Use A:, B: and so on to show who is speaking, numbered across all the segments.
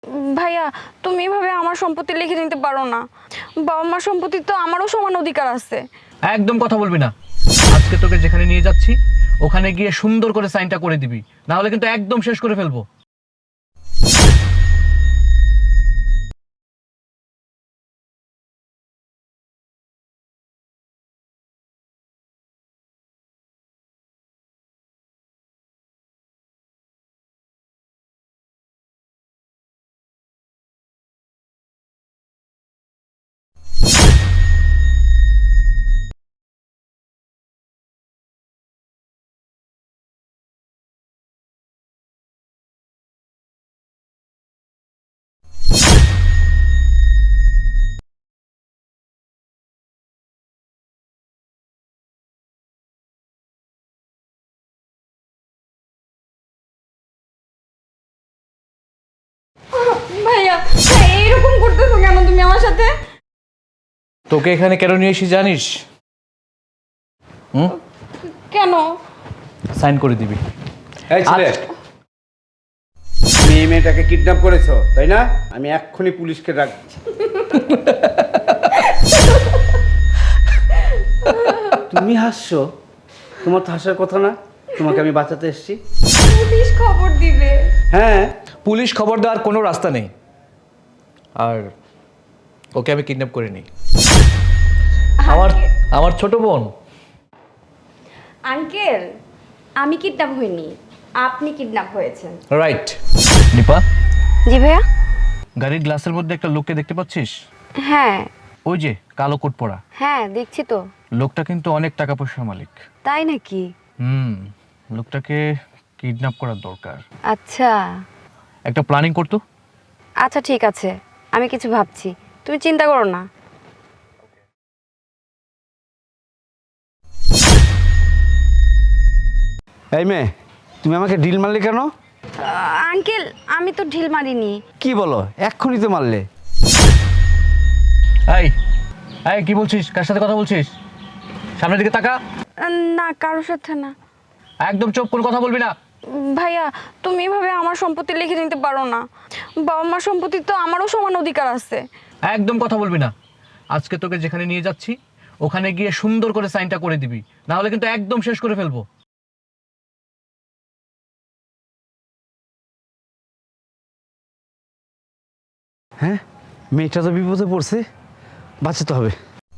A: ভাইয়া তুমি এভাবে আমার সম্পত্তি লিখে নিতে পারো না। বাবা মার সম্পত্তি তো আমারও সমান অধিকার আছে।
B: একদম কথা বলবি না। আজকে তোকে যেখানে নিয়ে যাচ্ছি ওখানে গিয়ে সুন্দর করে সাইনটা করে দিবি, না হলে কিন্তু একদম শেষ করে ফেলবো।
A: ভাইয়া এইরকম করতেছো কেন তুমি আমার সাথে?
B: তোকে এখানে কেন নিয়ে এসেছি জানিস?
A: কেন?
B: সাইন করে দিবি।
C: এই ছেলে, তুমি এই মেয়েটাকে কিডন্যাপ করেছো তাই না? আমি এক্ষুনি পুলিশকে ডাকছি। তুমি হাসছো? তোমার তো হাসার কথা না। তোমাকে আমি বাঁচাতে এসেছি।
A: পুলিশ খবর দিবে।
C: হ্যাঁ,
B: পুলিশ খবর দেওয়ার কোনো রাস্তা নেই। আর ওকে আমি কিডন্যাপ করিনি। আমার ছোট বোন।
D: আঙ্কেল, আমি কিডন্যাপ হইনি, আপনি কিডন্যাপ হয়েছেন।
B: রাইট। দীপা,
D: জি ভাইয়া।
B: গাড়ির গ্লাসের মধ্যে একটা লোককে দেখতে পাচ্ছিস?
D: হ্যাঁ
B: ওই যে কালো কোট পরা
D: হ্যাঁ, দেখছি তো।
B: লোকটা কিন্তু অনেক টাকা পয়সার মালিক।
D: তাই নাকি?
B: লোকটাকে কিডন্যাপ করার দরকার।
D: আচ্ছা
B: একটা প্ল্যানিং করতো।
D: আচ্ছা, ঠিক আছে, আমি কিছু ভাবছি, তুমি চিন্তা করো না।
C: এই মেয়ে, তুমি আমাকে ডিল মারলে কেন?
D: আঙ্কেল, আমি তো ঢিল মারিনি।
C: কি বলো? এক্ষুনি তো মারলে।
B: এই এই কি বলছিস? কার সাথে কথা বলছিস? সামনের দিকে তাকা।
A: না কারোর সাথে না।
B: একদম চুপ, কোনো কথা বলবি না।
A: ভাইয়া তুমি এভাবে আমার সম্পত্তি লিখে নিতে পারো না। বাবা মার সম্পত্তি তো আমারও সমান অধিকার আছে।
B: একদম কথা বলবি না। আজকে তোকে যেখানে নিয়ে যাচ্ছি ওখানে গিয়ে সুন্দর করে সাইনটা করে দিবি, না হলে কিন্তু একদম শেষ করে ফেলবো।
C: হ্যাঁ, মেয়েটা তো বিপদে পড়ছে, বাঁচাতে হবে।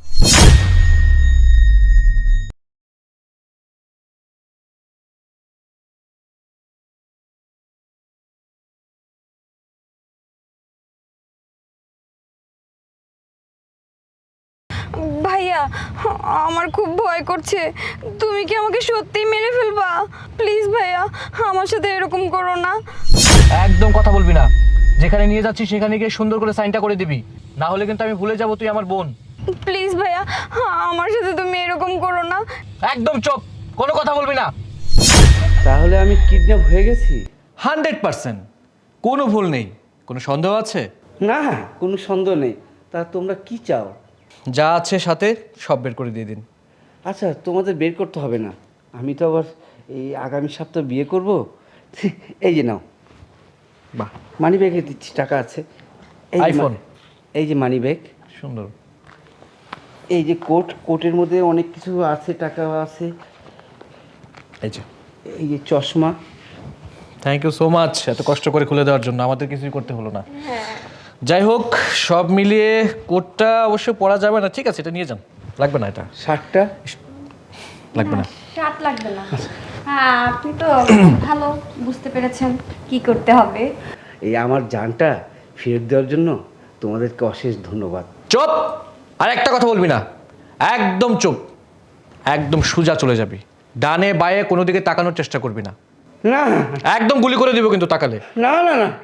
A: ভাইয়া আমার খুব ভয় করছে। তুমি কি আমাকে সত্যিই মেরে ফেলবা? প্লিজ ভাইয়া আমার সাথে এরকম করো না।
B: একদম কথা বলবি না। যেখানে নিয়ে যাচ্ছি সেখানে গিয়ে সুন্দর করে সাইনটা করে দিবি, না হলে কিন্তু আমি ভুলে যাব তুই আমার বোন।
A: প্লিজ ভাইয়া আমার সাথে তুমি এরকম করো না।
B: একদম চুপ, কোনো কথা বলবি না।
C: তাহলে আমি কিডন্যাপ হয়ে গেছি?
B: 100%। কোনো ভুল নেই। কোনো সন্দেহ আছে?
C: না, কোনো সন্দেহ নেই। তা তোমরা কি চাও?
B: যা আছে সাথে সব বের করে দিয়ে দিন।
C: আচ্ছা, তোমাদের বের করতে হবে না। আমি তো আবার এই আগামী সপ্তাহ বিয়ে করব। এই যে নাও, বাহ, মানি ব্যাগে দিচ্ছি, টাকা আছে। এই যে
B: আইফোন।
C: এই যে মানি ব্যাগ,
B: সুন্দর।
C: এই যে কোটের মধ্যে অনেক কিছু আছে, টাকা আছে।
B: এই যে,
C: এই যে চশমা।
B: থ্যাংক ইউ সো মাচ এত কষ্ট করে খুলে দেওয়ার জন্য। আমাদের কিছুই করতে হলো না। যাই হোক, সব মিলিয়ে কোটটা অবশ্য পরা যাবে না, ঠিক আছে, এটা নিয়ে যান। লাগবে না, এটা
C: শার্টটা
B: লাগবে না।
D: শার্ট লাগবে না। হ্যাঁ, আপনি তো ভালো বুঝতে পেরেছেন কি করতে হবে।
C: এই আমার জানটা ফেরত দেওয়ার জন্য তোমাদেরকে অশেষ ধন্যবাদ।
B: চুপ! আর একটা কথা বলবি না। একদম চুপ। একদম সোজা চলে যাবি। ডানে বায়ে কোনো দিকে তাকানোর চেষ্টা করবি না।
C: না
B: একদম গুলি করে দিব কিন্তু তাকালে।
C: না না না,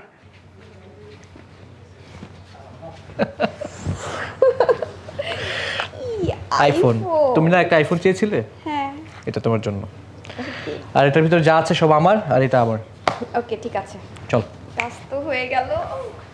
B: আইফোন। তুমি না একটা আইফোন চেয়েছিলে?
D: হ্যাঁ।
B: এটা তোমার জন্য। আর এটার ভিতরে যা আছে সব আমার, আর এটা আমার।
D: ওকে, ঠিক আছে।
B: চল।
D: কাজ তো হয়ে গেল।